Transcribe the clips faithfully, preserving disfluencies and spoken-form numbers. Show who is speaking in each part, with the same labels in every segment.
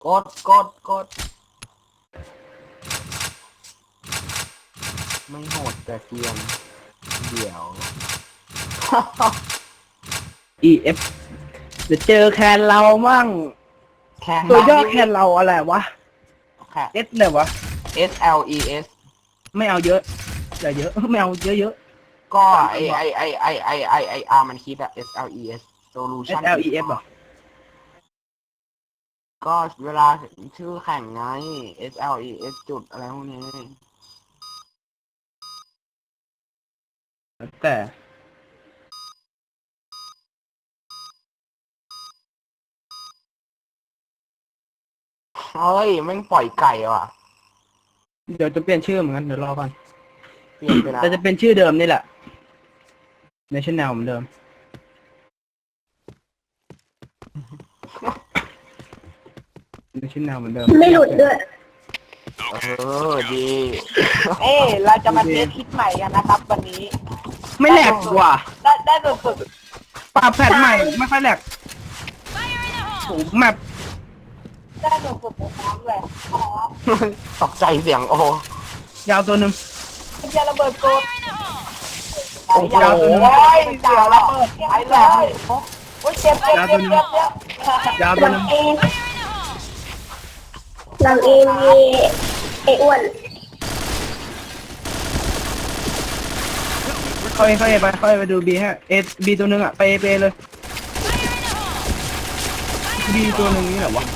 Speaker 1: กดกดกดไม่โหดแต่เกียงเดี๋ยว
Speaker 2: อี เอฟ เดี๋ยวเจอแคนเรามั่ง
Speaker 1: แค่
Speaker 2: ตัวย่อแคนเราอะไรวะ
Speaker 1: แค่
Speaker 2: S เลยวะ
Speaker 1: S L E S
Speaker 2: ไม่เอาเยอะอย่าเยอะไม่เอาเยอะเยอะ
Speaker 1: ก็ไอไอไอไอไอไอไออาร์มันคิดอะ S L E S
Speaker 2: S
Speaker 1: solution
Speaker 2: L E F เหรอ
Speaker 1: ก็เวลาชื่อแข่งไง S L E S จุดอะไรพวกนี้
Speaker 2: แต่
Speaker 1: เฮ้ยแม่งปล่อยไก่ว่ะ
Speaker 2: เดี๋ยวจะเปลี่ยนชื่อเหมือนกันเดี๋ยวรอก่อน
Speaker 1: เปลี่ยนไปแล้ว
Speaker 2: แต่จะเป็นชื่อเดิมนี่แหละ National เหมือนเดิม National เหมือนเดิม
Speaker 3: ไม่หลุดด้วย
Speaker 1: เออดี
Speaker 4: เอ้เราจะมาเทสคลิปใหม่กันนะครับ วันนี้
Speaker 2: ไม่แหลกว่ะ
Speaker 4: ได้ได้สุด
Speaker 2: ปรับแพทใหม่ไม่ค่อยแหลกโอ้โหแมป
Speaker 4: ๆได้สุดๆน้ำเลยอ๋อ
Speaker 1: ตกใจเสียงโอ้
Speaker 2: ยาวตัวหนึ่ง
Speaker 4: มันจะระเบิดโกด
Speaker 1: โอ้โห
Speaker 2: ยาวตัวหนึ่ง
Speaker 4: โอ้ยจ่าระเบิดไอ้แหลมโอ้ยเจ็บเจ็บเจ็บเจ็บเจ็บ
Speaker 2: ยาว
Speaker 3: ห
Speaker 2: ตัว
Speaker 3: ลั
Speaker 2: ห
Speaker 3: ง
Speaker 2: นึ่ง
Speaker 3: เองหลังเองมีไอ้อ้วน
Speaker 2: เข้าเอเข้าเอไปเข้าเอไปดูบีฮะเอบีตัวหนึ่งอ่ะไปไปเลยบีตัวหนึ่งนี่แหละวะ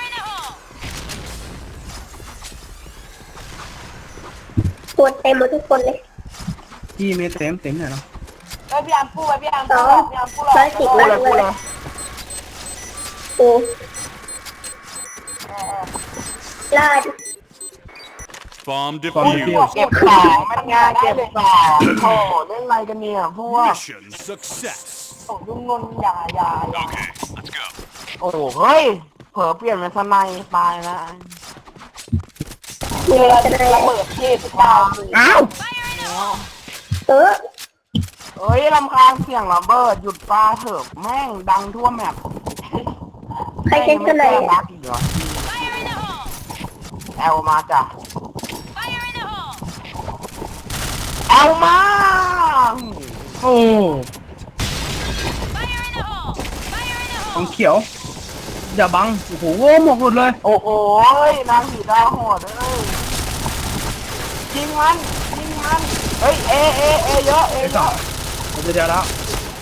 Speaker 3: ตัวเต็มหมดทุกคนเลย
Speaker 2: พี่เมเต็มเต็มเลยเนาะ
Speaker 4: ไปพี่อามพูดไปพี่อาม
Speaker 3: ส
Speaker 4: พู
Speaker 3: อ
Speaker 4: ด
Speaker 3: ง
Speaker 4: พี่อามพูด
Speaker 3: ร้อยสิบ
Speaker 1: พูด
Speaker 3: มา
Speaker 1: เลย
Speaker 3: เล
Speaker 1: พูดเลย ย
Speaker 3: โอ้ลาด
Speaker 5: Bomb
Speaker 2: ความ
Speaker 5: defused.
Speaker 2: เปรี้ยว
Speaker 1: เก็บของมันงานเก็บของโอ้เล่นอะไรกันเนี่ยพวก
Speaker 5: Mission success.
Speaker 4: โอ้ยุ่งนนอย่าอย่าอย่า
Speaker 5: Okay, let's go.
Speaker 1: โอ้เฮ้ยเผลอเปลี่ยนเป็นสไนตายนะ
Speaker 3: มีอะไรจะได้
Speaker 4: ระเบิดเทพเจ้า
Speaker 2: อ้าว
Speaker 3: เออ
Speaker 1: เอ้ยลำคาญเสียงระเบิดหยุดปลาเถอะแม่งดังทั่วแมป
Speaker 3: ใครเช็คกันไหน
Speaker 1: แม่งไม่แก้บั๊กอีกเหรอแอลมาจ้ะแอลมา
Speaker 2: โอ้ของเขียวอย่าบังโอ้โหหมกหลุดเลย
Speaker 1: โอ้โหนางผีดาวโหดเลยยิงมันยิงมันเฮ้ยเอเอเอเยอะเอ
Speaker 2: ไอ้
Speaker 1: เย
Speaker 2: ต่อ
Speaker 1: อะ
Speaker 2: เดี๋ยวเดี๋ยวแล้ว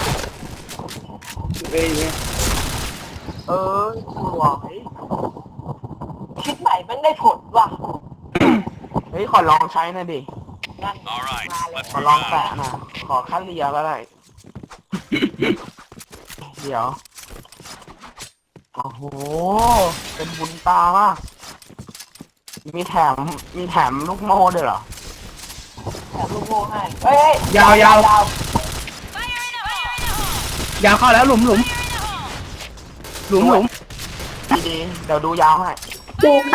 Speaker 2: เอ้ยเอ้ย
Speaker 1: เออสวย
Speaker 4: คลิปใหม่มันได้ผลว่ะ
Speaker 1: เฮ้ยขอลองใช้หน่อยดิ
Speaker 4: นั่น
Speaker 5: All right,
Speaker 4: มาเลย
Speaker 5: let's
Speaker 1: ขอ
Speaker 5: move
Speaker 1: ลองแปะ
Speaker 5: out.
Speaker 1: หน่อยขอคัดเรียก็ได้ เดี๋ยว โอ้โห เป็นบุญตามากมีแถม มีแถมลูกโม่ด้วยเหรอ
Speaker 4: แถมลูกโม่ให้เฮ้ย
Speaker 2: ยาวยาวยาวเข้าแล้วหลุมหลุมหลุมหลุม
Speaker 1: ดีๆเดี๋ยวดูยาวให้
Speaker 3: ดูค่ะ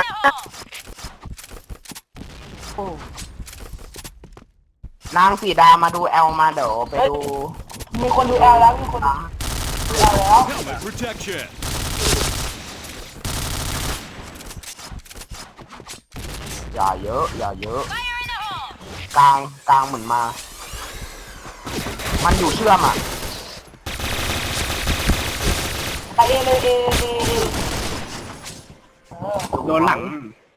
Speaker 1: โอ้นางสีดามาดูแอลมาเดี๋ยวไปดู
Speaker 4: มีคนดูแอลแล้วมีคนดูแอลแล้ว
Speaker 5: Helmet protection.
Speaker 1: อย่าเยอะ อย่าเยอะ กลาง กลางเหมือนมา มันอยู่เชื่อมอ่ะ
Speaker 4: ไปเอเลยเอเอเอเออ
Speaker 2: โดนหลัง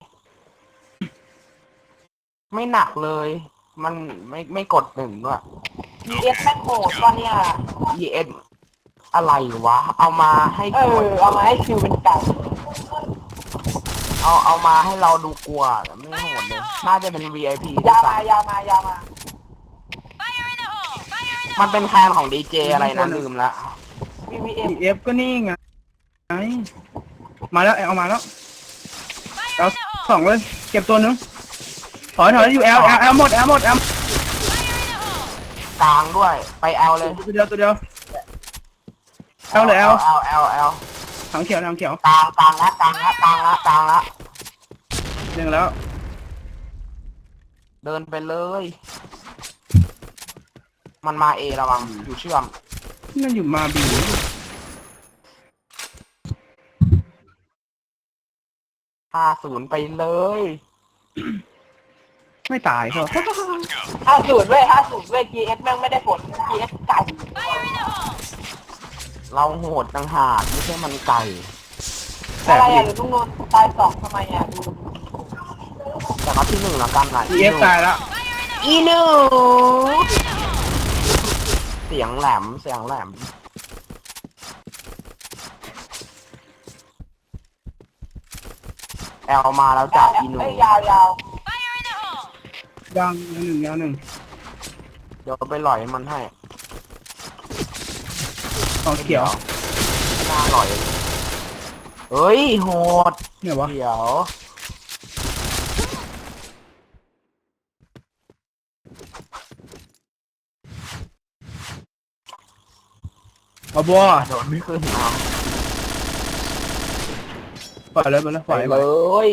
Speaker 1: ไม่หนักเลย มันไม่ไม่กดหนึ่งด้วย
Speaker 4: พีเอสแม่งโหดตอนเนี้ย
Speaker 1: E N อะไรวะ เอามาให้
Speaker 4: เอก
Speaker 1: ด
Speaker 4: อเอามาให้คิวเป็นไก่
Speaker 1: เอาเอามาให้เราดูกลัวแต่ไม่โหดเลย น่าจะเป็น V I P
Speaker 4: ยาวมายาวมายาวมา
Speaker 1: มันเป็นแทนของดีเจอะไรนะลืมละ
Speaker 4: วีวีเอ็ม
Speaker 2: อีเอฟก็นี่ไงมาแล้วเอามาแล้วเอาสองเลย เก็บตัวหนึงถอยถอยอยู่แอลแอลแอลหมดแอลหมดแอล
Speaker 1: กลางด้วย ไปแอลเลย
Speaker 2: ตัวเดียวตัวเดียวแอลเลยแอล
Speaker 1: แอลแอลแอล
Speaker 2: ถังเขียวถังเขียว
Speaker 1: กลางกลางละกลางละกลางละกลางละ
Speaker 2: หนึ่งแล้ว
Speaker 1: เดินไปเลย มันมาเอระวังอยู่เชื่อม
Speaker 2: นั่นอยู่มาบี
Speaker 1: ห้าศูนย์ไปเลย
Speaker 2: ไม่ตายเหรอ
Speaker 4: ห้าศูนย์เว้ยห้าศูนย์เว้ย จี เอส แม่งไม่ได้ผล จี เอส ไก่
Speaker 1: เราโหดต่างหากไม่ใช่มันไก่
Speaker 2: แต่
Speaker 4: อะไร
Speaker 2: ดิ
Speaker 4: อ่ะหรือลุงนนท์ตายสองทำไมอ่ะดู
Speaker 1: แต่ก็ที่หนึ่งแล้วกันนะ
Speaker 2: อีเอฟตายแล้ว
Speaker 1: อีหนูเสียงแหลมเสียงแหลมแอลมาแล้วจากอีหนู
Speaker 4: เอ้ยยาวยาว
Speaker 2: ยังยังหนึ่งยังหนึ่ง
Speaker 1: เดี๋ยวไปหล่อยมันให้
Speaker 2: สองเขียว
Speaker 1: ไม่น่าหล่อยเฮ้ยโหด
Speaker 2: เนี่ยวะ
Speaker 1: เดี๋ยว
Speaker 2: เอาบัว
Speaker 1: โดนไม่ขึ้นเอา
Speaker 2: ปล่อยเลยไปเลยป
Speaker 1: ไป
Speaker 2: ล่อย
Speaker 1: เล
Speaker 2: ไป
Speaker 1: ย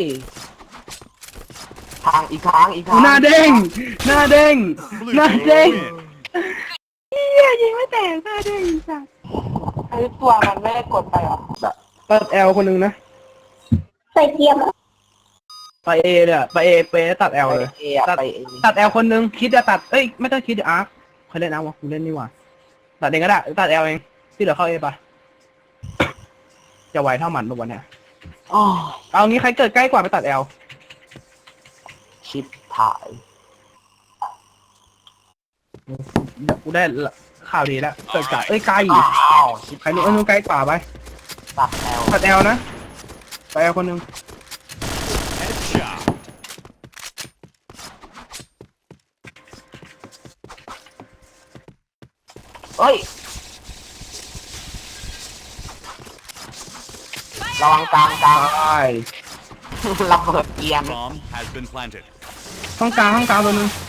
Speaker 1: ทางอีกครั้งอีกครั้ง
Speaker 2: หน้าเด้งหน้าเด้ง
Speaker 5: Blue
Speaker 2: หน้า
Speaker 5: team
Speaker 2: เด้ง
Speaker 5: win.
Speaker 2: เฮียยิงไม่แตกหน้าเด้งจ้ะ
Speaker 4: ไอ้ตัวมันไม่ได้กดไปเหรอ
Speaker 2: ตัดแอลคนหนึงนะ
Speaker 3: ใส่เกียร์มา
Speaker 2: ไปเอเลยอะไปเอไปตัดแอล
Speaker 1: ไป
Speaker 2: เลย
Speaker 1: เออะไปเอ
Speaker 2: ตัดแอลคนหนึงคิดจะตัดเอ้ยไม่ต้องคิดเดี๋ยวอาร์คใครเล่นอาร์ควะกูเล่นนี่หว่าตัดเองก็ได้ตัดแอลเองที่เหลือเข้าเอปะจะไหวเท่ามันปะวันเนี้ย
Speaker 1: อ๋อ
Speaker 2: เอางี้ใครเกิดใกล้กว่าไปตัดแอล
Speaker 1: ชิปถ่าย
Speaker 2: เดี๋ยวกูได้ข่าวดีแล้วเกิดจากเอ้ยไกล
Speaker 1: อ้าวชิป
Speaker 2: ใครนู้นเอ้ยนู้นใกล้กว่าไป
Speaker 1: ตัดแอล
Speaker 2: ตัดแอลนะตัดแอลคนหนึง
Speaker 5: Headshot.
Speaker 1: เอ้ยระวังกลางกลาง
Speaker 2: ตาย
Speaker 1: ระเบิดเกียร์
Speaker 5: Bomb has been planted.
Speaker 2: ห้องกลางห้องกลางตัวหนึง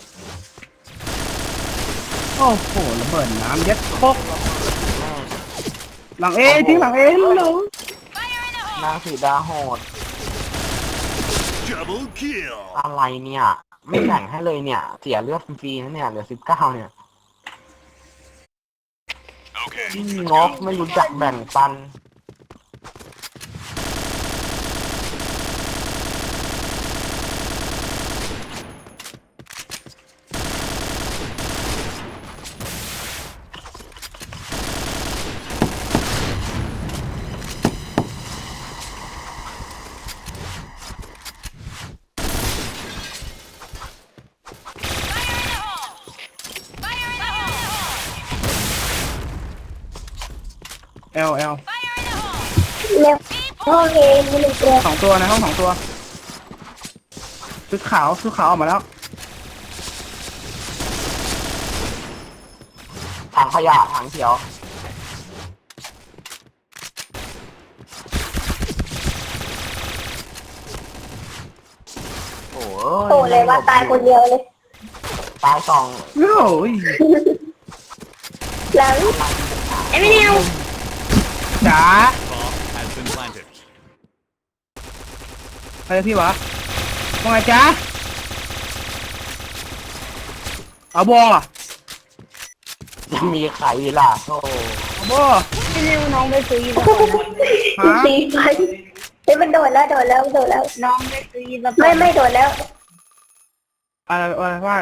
Speaker 2: โอ้โหระเบิดน้ำยัดโคกหลังเอทิ้งหลังเอหนู
Speaker 1: นางสีดาโหด
Speaker 5: Double kill.
Speaker 1: อะไรเนี่ย ไม่แบ่งให้เลยเนี่ย เสียเลือดฟรีๆนะเนี่ยเหลือสิบเก้าเนี่ย
Speaker 5: Okay.
Speaker 1: งกไม่รู้จักแบ่งปัน
Speaker 2: แอลแอล
Speaker 3: แล้วห้องเอมีหนึ่งตัว
Speaker 2: สองตัวนะห้องสองตัวชุดขาวชุดขาวออกมาแล้ว
Speaker 1: ถังขยะถังเขียว โอ้
Speaker 3: โตเลยว่าตายคนเดียวเลย
Speaker 1: ตายสอง
Speaker 2: โอ้ย
Speaker 3: หลังไอ้ไม่เดียว
Speaker 2: จ๋า
Speaker 5: Bomb has been planted.
Speaker 2: ใครพี่วะว่าไงจ๊ะเอาบอ
Speaker 1: จะมีใครล่ะโอ้
Speaker 2: เอาบอ
Speaker 3: ไม่เร็วน้องไปซื้อ
Speaker 2: ฮะ
Speaker 3: สี่พันเฮ้ยมันโดดแล้วโดดแล้วโดดแล้วน้องไปซื้อไม่ไม่โดดแล้ว
Speaker 2: อะไรอะไรว่า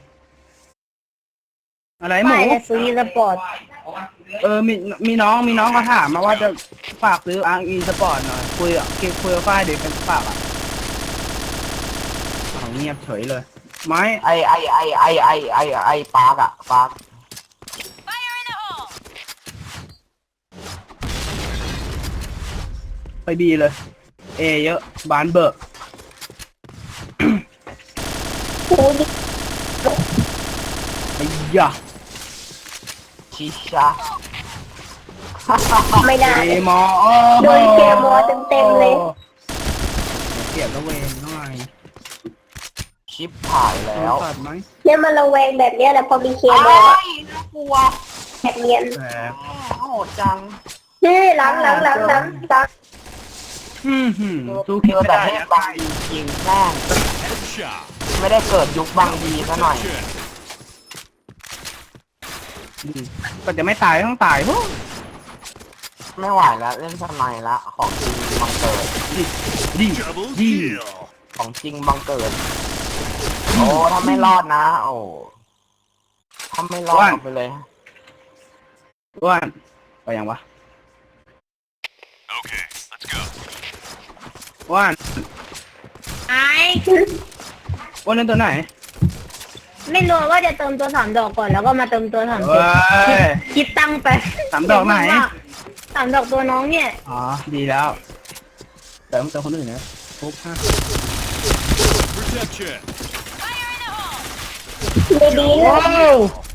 Speaker 2: อะไรหมู
Speaker 3: ไม่จะซื้อสปอร์ต
Speaker 2: เออมีมีน้องมีน้องเขาถามมาว่าจะฝากซื้ออาร์อีสปอร์ตหน่อยคุยอ่ะคุยคุยกับฝ้ายเด็กเป็นฝากอ่ะอ้าวเงียบเฉยเลยไม้
Speaker 1: ไอไอไอไอไอไอไอปาร์กอะปาร์ก
Speaker 2: ไปบีเลย เอเยอะบานเบอร์
Speaker 3: โอ้ย
Speaker 2: ไอ้ยะ
Speaker 1: ชิชา
Speaker 3: ไม่ได้
Speaker 2: เอมอโอ้
Speaker 3: โดนเกมมอเต็มๆเลย
Speaker 2: เสียบแล้วเวนหน่อย
Speaker 1: ชิปถ่ายแล้ว
Speaker 2: ตัดไหม
Speaker 3: เนี่ยมันระแวงแบบเนี้ยแหละพอมีเคม
Speaker 1: ไอ้
Speaker 3: อ
Speaker 1: น่ากลัว
Speaker 3: แบบเนียน
Speaker 2: แหม
Speaker 1: โหดจัง
Speaker 3: นี่หลังหลังหลังหลังหลัง
Speaker 2: อืมหืมสู้
Speaker 1: เจ
Speaker 2: คิด
Speaker 1: อ
Speaker 2: ไม่
Speaker 1: แต่
Speaker 2: ได้
Speaker 1: เทพบางดีจริงแม่ง
Speaker 5: Headshot.
Speaker 1: ไม่ได้เกิดยุคบางดีซะหน่อย
Speaker 5: Protection.
Speaker 2: ก็จะไม่ตายต้องตายโอ้
Speaker 1: ไม่ไหวแล้วเล่นสไนด์ละของจริงมังเกิด
Speaker 2: ดี
Speaker 5: Double
Speaker 2: ดี
Speaker 5: kill.
Speaker 1: ของจริงบังเกิด โอ้ถ้าไม่รอดนะ โอ้ถ้าไม่รอดออกไปเลย
Speaker 2: อ้วนไปยังวะ
Speaker 5: Okay, let's go.
Speaker 2: อ้วน
Speaker 3: ไอ้
Speaker 2: อ้วนเล่นตัวไหน
Speaker 3: ไม่รู้ว่าจะเติมตัวสามดอกก่อนแล้วก็มาเติมตัวสาม
Speaker 2: เว้ย
Speaker 3: คิดตังค์ไป
Speaker 2: สามดอกไหน
Speaker 3: สามดอกตัวน้องเนี่ย
Speaker 2: อ๋อดีแล้วแต่ต้องเจอคนอื่นนะปุ๊บฮะ
Speaker 5: Protection.
Speaker 3: ไม่ดีเล
Speaker 2: ว้า
Speaker 3: ยว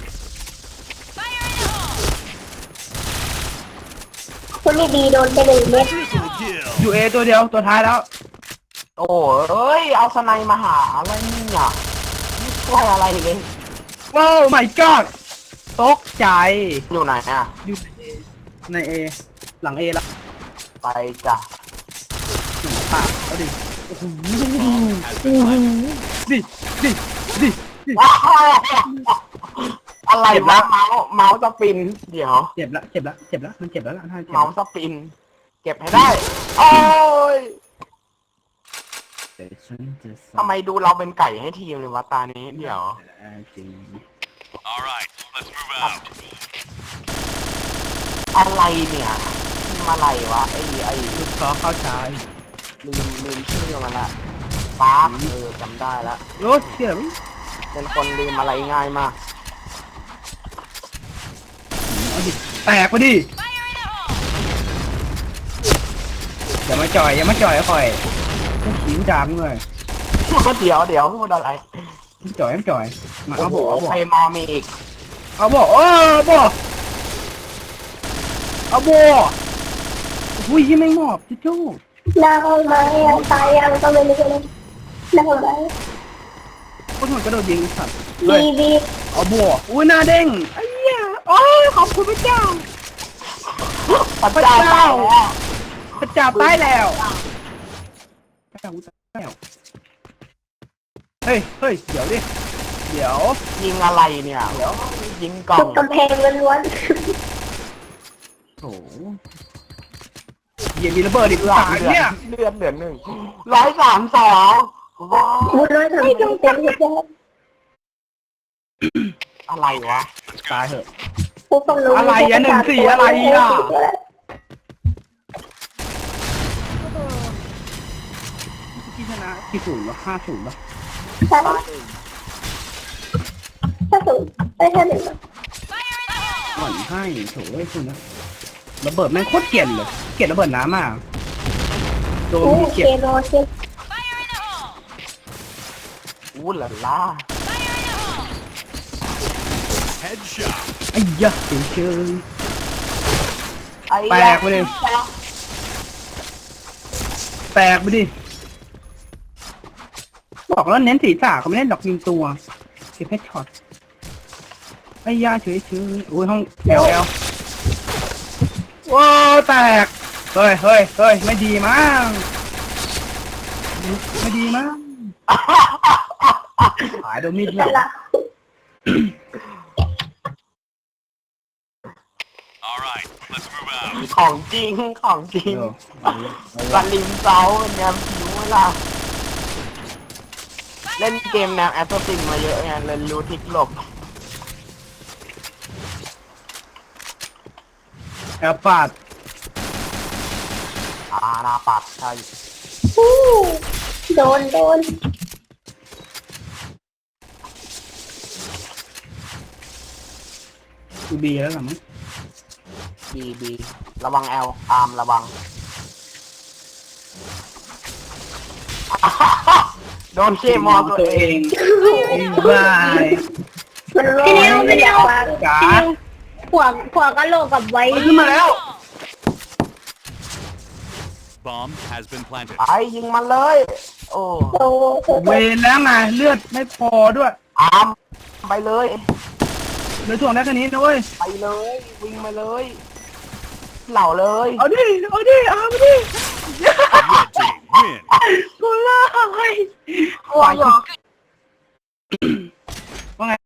Speaker 3: คนไม่ดีโดนไปหนึ่งเม็ด
Speaker 5: Triple kill.
Speaker 2: ยูเอตัวเดียวตัวท้ายแล้ว
Speaker 1: โอ้เอ้ย เอาสไนมาหาอะไรเนี่ยไม่ช่วยอะไรเลย
Speaker 2: ว้าว my god ตกใจ
Speaker 1: อยู่ไหนอ่ะ
Speaker 2: อยู่ในเอหลังเอละ
Speaker 1: ไปจ้ะ
Speaker 2: หนึ่งปากเอาดิโอ้โห
Speaker 5: Has been planted.
Speaker 2: ดิดิดิ
Speaker 1: อะไร
Speaker 2: เจ็บ
Speaker 1: วะ
Speaker 2: ละ
Speaker 1: เมาส์เมาส์สปิน เดี๋ยว
Speaker 2: เจ็บละเจ็บละเจ็บละมันเจ็บแล้วล่ะถ้าเจ็บ
Speaker 1: เมาส์สปิน เก็บให้ได้ โอ้ยทำไมดูเราเป็นไก่ให้ทีมเลยวะตานี้ เดี๋ยว
Speaker 2: จริง
Speaker 5: All right, let's move out.
Speaker 1: อะไรเนี่ยทีมอะไรวะ ไอ้ไอ้
Speaker 2: ลูกซอเข้าชาย
Speaker 1: ลืมลืมชื่อมันละปาร์คเออจำได้ละ
Speaker 2: รถเสียง
Speaker 1: เป็นคนลืมอะไรง่ายมาก
Speaker 2: เอาดิแตกไปดิอย่ามาจ่อยอย่ามาจ่อยคอยขิงจามเลย
Speaker 1: ก็เดี๋ยวเดี๋ยวพูดอะไร
Speaker 2: จ่อยจ่อยมา
Speaker 1: โอ้
Speaker 2: เอา
Speaker 1: โห
Speaker 2: บ่เอาบ่
Speaker 1: ใครมามีอีก
Speaker 2: เอาบ่เออบ่เอาบ่อุ้ยยังไม่หมอบจิ๊จู้
Speaker 3: หน้าห้องไม้ยังตายยังก็ไม่รู้เลยหน้าห้องไม้
Speaker 2: คนหัวกระโดดยิงสัตว์
Speaker 3: บีบี
Speaker 2: เอาบ่อุ้ยหน้าเด้งไอ้เหี้ยโอ้ยขอบคุณพระเจ้า
Speaker 1: พระเจ้าตายแล้ว
Speaker 2: พระเจ้าตายแล้วพระเจ้าตายแล้วเฮ้ยเฮ้ยเดี๋ยวดิเดี๋ยว
Speaker 1: ยิงอะไรเนี่ยเดี๋ยวยิงกล่อ
Speaker 3: ทุ
Speaker 1: ง
Speaker 3: กกำแพงล้วน
Speaker 2: โอ้เหี้ยมีระเบิดอีก
Speaker 1: เลือ
Speaker 2: สา
Speaker 1: ด
Speaker 2: ย
Speaker 1: เลือ
Speaker 2: เนี่ย
Speaker 1: ดเลือดเหลือหนึ่งร้อยสามสองว้าว
Speaker 3: ๆบุญร้อยสามสิบเต็มที่แล้ว
Speaker 1: อะไรวะ
Speaker 2: ตายเถอะ
Speaker 3: ผู้ฟังรู้
Speaker 2: อะไรอ่ะหนึ่งสี่อะไรอ่ะ ที่ชนะกี่ศูนย์วะห้าศูนย์วะ
Speaker 3: ใช่ถ้าสูงไม่ใช่หนึ่ง
Speaker 2: หวั่นให้โถ่ไอ้คุณนะระเบิดแม่งโคตรเกลียดเลยเกลียดระเบิดน้ำมากโดน
Speaker 3: โอ้
Speaker 2: มี
Speaker 3: เค
Speaker 2: เกลียด
Speaker 3: โรเชฟ
Speaker 1: อู้หล่าล่า
Speaker 5: Headshot.
Speaker 2: ไอ้ยะเฉยเฉย
Speaker 1: ไอ้
Speaker 2: แปลกไปเลย แตกไปดิบอกแล้วเน้นศีรษะเขาไม่เล่นดอกยิงตัวเก็บให้ช็อตไอ้ยาเฉยเฉยโอ้ยห้องแอลแอลว้าวแตกเฮ้ยเฮ้ยเฮ้ยไม่ดีมั้งไม่ดีมั้งหายโดนมีดเหรอ
Speaker 3: ละ
Speaker 5: All right, let's move out.
Speaker 1: ของจริงของจริง
Speaker 2: เออ
Speaker 1: สลิมเซาแนวผิวเวลาเล่นเกมแนวแอสซินมาเยอะไงเลยรู้ทิกหลบ
Speaker 2: แอลปาด
Speaker 1: อาหนาปัดใช่
Speaker 3: อู้โดนโดน
Speaker 2: อูบีแล้วเหรอมั้ง
Speaker 1: บีบีระวังแอลอาร์มระวัง โดนเชมอตัวเอง
Speaker 2: บาย
Speaker 3: มันร้อนไม่ได้ฟัง
Speaker 2: จ๋า
Speaker 3: หัวหัวกะโหลกกับไว้
Speaker 2: มันขึ้นมาแล้ว
Speaker 5: Bomb has been planted.
Speaker 1: ไอ้ยิงมันเลย โอ้
Speaker 3: โอ้โห
Speaker 2: เวรแล้วไงเลือดไม่พอด้วย
Speaker 1: อาร์มไปเลย
Speaker 2: เหลยถ่วงได้แค่นี้นะเว้ย
Speaker 1: ไปเลย วิ่งมาเลย เหล่าเลย
Speaker 2: เอาดิเอาดิเอามาดิ
Speaker 5: Red team win.
Speaker 2: กูไล่
Speaker 3: กลัวอยู่